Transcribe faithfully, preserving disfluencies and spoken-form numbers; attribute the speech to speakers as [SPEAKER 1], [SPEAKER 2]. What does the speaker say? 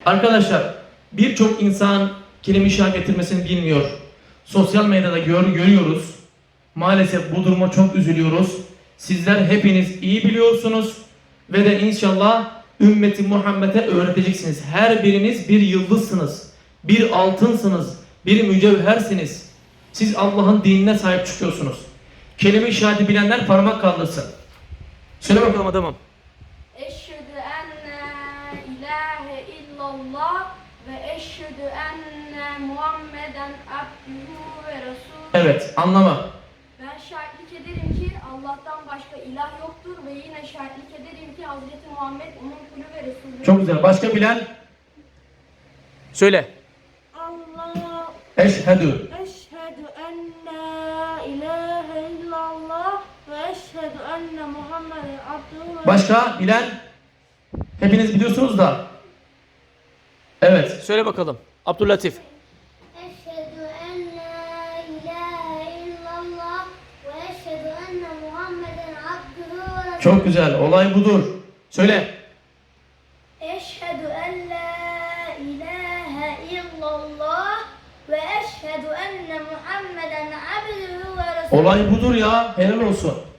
[SPEAKER 1] Arkadaşlar birçok insan kelime-i şehadet getirmesini bilmiyor. Sosyal medyada gör, görüyoruz. Maalesef bu duruma çok üzülüyoruz. Sizler hepiniz iyi biliyorsunuz ve de inşallah ümmeti Muhammed'e öğreteceksiniz. Her biriniz bir yıldızsınız, bir altınsınız, bir mücevhersiniz. Siz Allah'ın dinine sahip çıkıyorsunuz. Kelime-i şehadeti bilenler parmak kaldırsın. Söyle bakalım adamım.
[SPEAKER 2] Eşhedü enne ilahe illallah ve eşhedü enne Muhammeden abdühü ve resulü.
[SPEAKER 1] Evet, anlama.
[SPEAKER 2] Ben şahitlik ederim ki Allah'tan başka ilah yoktur ve yine şahitlik ederim ki Hazreti Muhammed onun kulü ve resulü.
[SPEAKER 1] Çok güzel. Başka bilen? Söyle.
[SPEAKER 2] Allah
[SPEAKER 1] Eşhedü.
[SPEAKER 2] eşhedü enne ilahe illallah ve eşhedü enne Muhammeden abdühü ve
[SPEAKER 1] Başka bilen? Hepiniz biliyorsunuz da. Evet. Söyle bakalım. Abdüllatif.
[SPEAKER 3] Eşhedü en la ilahe illallah ve eşhedü enne Muhammeden abdühü ve resulühü.
[SPEAKER 1] Çok güzel. Olay budur. Söyle.
[SPEAKER 2] Eşhedü en la ilahe illallah ve eşhedü enne Muhammeden abdühü ve resulü.
[SPEAKER 1] Olay budur ya. Helal olsun.